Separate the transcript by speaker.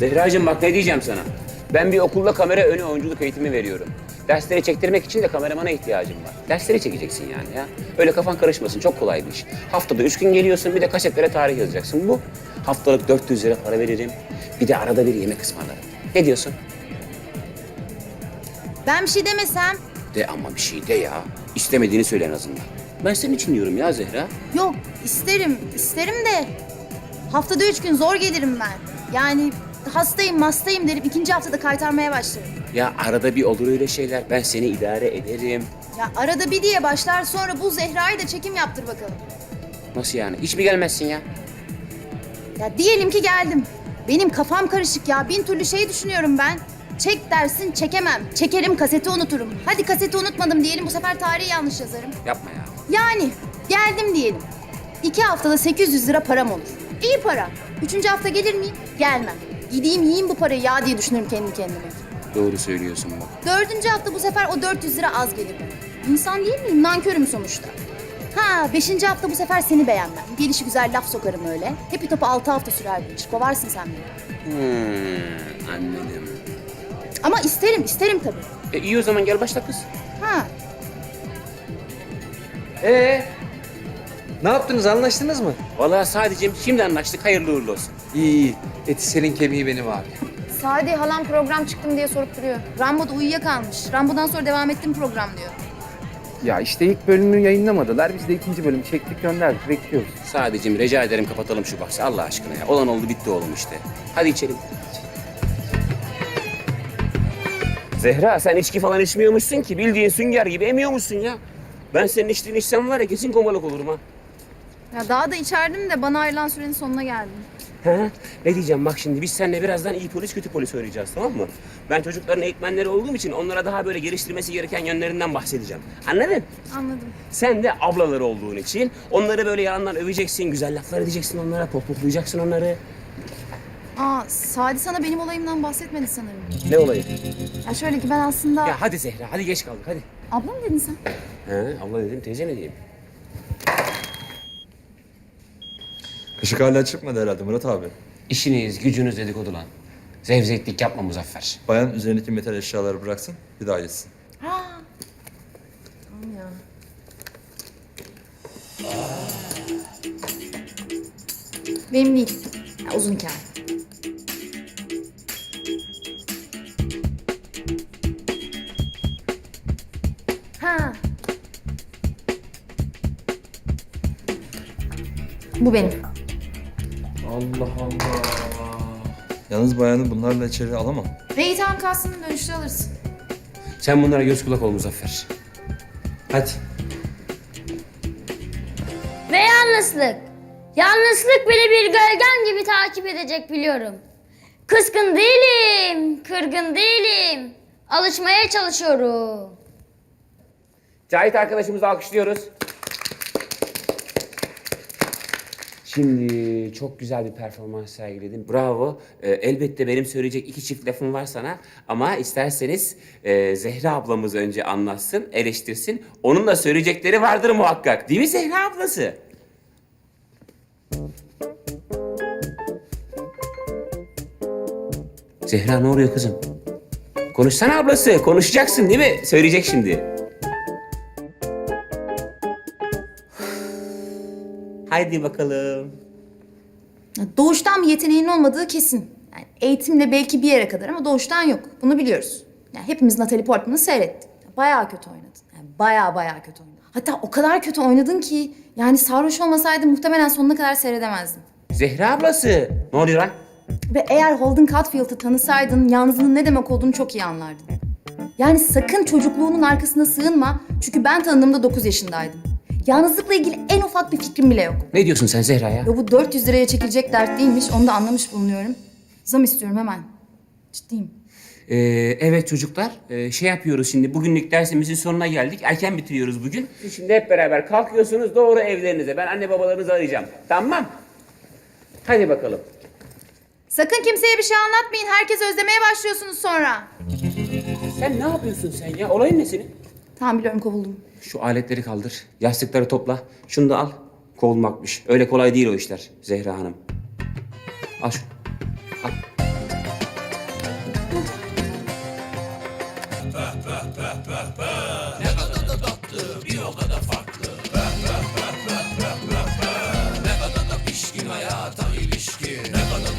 Speaker 1: Zehracığım bak ne diyeceğim sana. Ben bir okulda kamera önü oyunculuk eğitimi veriyorum. Dersleri çektirmek için de kameramana ihtiyacım var. Dersleri çekeceksin yani ya. Öyle kafan karışmasın, çok kolay bir iş. Haftada 3 gün geliyorsun, bir de kasetlere tarih yazacaksın. Bu. Haftalık 400 lira para veririm. Bir de arada bir yemek ısmarlarım. Ne diyorsun?
Speaker 2: Ben bir şey demesem.
Speaker 1: De ama bir şey de ya. İstemediğini söyle en azından. Ben senin için diyorum ya Zehra.
Speaker 2: Yok isterim de. Haftada 3 gün zor gelirim ben. Yani hastayım derim, ikinci haftada kaytarmaya başlarım.
Speaker 1: Ya arada bir olur öyle şeyler. Ben seni idare ederim.
Speaker 2: Ya arada bir diye başlar, sonra bu Zehra'yı da çekim yaptır bakalım.
Speaker 1: Nasıl yani? Hiç mi gelmezsin ya?
Speaker 2: Ya diyelim ki geldim. Benim kafam karışık ya, bin türlü şey düşünüyorum ben. Çek dersin, çekemem. Çekerim, kaseti unuturum. Hadi kaseti unutmadım diyelim, bu sefer tarihi yanlış yazarım.
Speaker 1: Yapma ya.
Speaker 2: Yani geldim diyelim. 2 haftada 800 lira param olur. İyi para. 3. hafta gelir miyim? Gelmem. Gideyim yiyeyim bu parayı ya diye düşünürüm kendi kendime.
Speaker 1: Doğru söylüyorsun bak.
Speaker 2: 4. hafta bu sefer o 400 lira az gelir bana. İnsan değil miyim? Nankörüm sonuçta. Ha 5. hafta bu sefer seni beğenmem. Gelişi güzel laf sokarım öyle. Hepi topu 6 hafta sürer bu iş. Kovarsın sen beni.
Speaker 1: Anladım.
Speaker 2: Ama isterim tabii.
Speaker 1: İyi o zaman gel başla kız.
Speaker 2: Ha
Speaker 3: Ne yaptınız, anlaştınız mı?
Speaker 1: Vallahi sadece şimdi anlaştık, hayırlı uğurlu olsun.
Speaker 3: İyi. Eti senin kemiği benim abi.
Speaker 2: Sadi halam program çıktım diye sorup duruyor. Rambo'da uyuyakalmış. Rambo'dan sonra devam ettim program diyor.
Speaker 4: Ya işte ilk bölümü yayınlamadılar. Biz de ikinci bölümü çektik gönderdik. Bekliyoruz.
Speaker 1: Sadece rica ederim kapatalım şu bahsi Allah aşkına ya. Olan oldu bitti oğlum işte. Hadi içelim. Zehra sen içki falan içmiyormuşsun ki, bildiğin sünger gibi emiyormuşsun ya. Ben senin içtiğini içsem var ya kesin komalık olurum ha.
Speaker 2: Ya daha da içerdim de bana ayrılan sürenin sonuna geldim.
Speaker 1: He? Ne diyeceğim bak şimdi biz seninle birazdan iyi polis kötü polis oynayacağız tamam mı? Ben çocukların eğitmenleri olduğum için onlara daha böyle geliştirmesi gereken yönlerinden bahsedeceğim. Anladın?
Speaker 2: Anladım.
Speaker 1: Sen de ablaları olduğun için onları böyle yanından öveceksin, güzel laflar edeceksin onlara, pohpohlayacaksın onları.
Speaker 2: Aa Sadi sana benim olayımdan bahsetmedi sanırım.
Speaker 1: Ne olayı?
Speaker 2: Ya şöyle ki ben aslında...
Speaker 1: Ya hadi Zehra, hadi geç kaldık hadi.
Speaker 2: Abla mı dedin sen?
Speaker 1: He, abla dedim, teyze ne diyeyim?
Speaker 5: Işık hala çıkmadı herhalde Murat abi.
Speaker 1: İşiniz, gücünüz dedikodu lan. Zevzeklik yapma Muzaffer.
Speaker 5: Bayan üzerindeki metal eşyaları bıraksın, bir daha yesin.
Speaker 2: Ha. Tamam ya. Benim değil. Ya, uzun hikaye. Ha. Bu benim.
Speaker 1: Allah Allah.
Speaker 5: Yalnız bayanı bunlarla içeri alamam.
Speaker 2: Ve itham kastını dönüşte alırsın.
Speaker 1: Sen bunlara göz kulak ol Muzaffer. Hadi.
Speaker 6: Ve yalnızlık. Yalnızlık bile bir gölgem gibi takip edecek biliyorum. Kızgın değilim, kırgın değilim. Alışmaya çalışıyorum.
Speaker 1: Cahit arkadaşımızı alkışlıyoruz. Şimdi çok güzel bir performans sergiledin. Bravo. Elbette benim söyleyecek 2 çift lafım var sana. Ama isterseniz Zehra ablamız önce anlatsın, eleştirsin. Onun da söyleyecekleri vardır muhakkak. Değil mi Zehra ablası? Zehra ne oluyor kızım? Konuşsana ablası. Konuşacaksın değil mi? Söyleyecek şimdi. Haydi bakalım.
Speaker 2: Ya, doğuştan bir yeteneğin olmadığı kesin. Yani eğitimle belki bir yere kadar ama doğuştan yok. Bunu biliyoruz. Yani hepimiz Natalie Portman'ı seyrettik. Bayağı kötü oynadın. Yani bayağı kötü oynadın. Hatta o kadar kötü oynadın ki yani sarhoş olmasaydı muhtemelen sonuna kadar seyredemezdim.
Speaker 1: Zehra ablası. Ne oluyor lan?
Speaker 2: Ve eğer Holden Caulfield'ı tanısaydın yalnızlığın ne demek olduğunu çok iyi anlardın. Yani sakın çocukluğunun arkasına sığınma. Çünkü ben tanıdığımda 9 yaşındaydım. Yalnızlıkla ilgili en ufak bir fikrim bile yok.
Speaker 1: Ne diyorsun sen Zehra ya?
Speaker 2: Ya bu 400 liraya çekilecek dert değilmiş. Onu da anlamış bulunuyorum. Zam istiyorum hemen. Ciddiyim.
Speaker 1: Evet çocuklar, şey yapıyoruz şimdi. Bugünlük dersimizin sonuna geldik. Erken bitiriyoruz bugün. Siz şimdi hep beraber kalkıyorsunuz doğru evlerinize. Ben anne babalarınızı arayacağım. Tamam. Hadi bakalım.
Speaker 2: Sakın kimseye bir şey anlatmayın. Herkes özlemeye başlıyorsunuz sonra.
Speaker 1: Sen ne yapıyorsun sen ya? Olayın ne senin?
Speaker 2: Tamam biliyorum kovuldum.
Speaker 1: Şu aletleri kaldır. Yastıkları topla. Şunu da al. Kovulmakmış. Öyle kolay değil o işler Zehra Hanım. Al şunu. Al.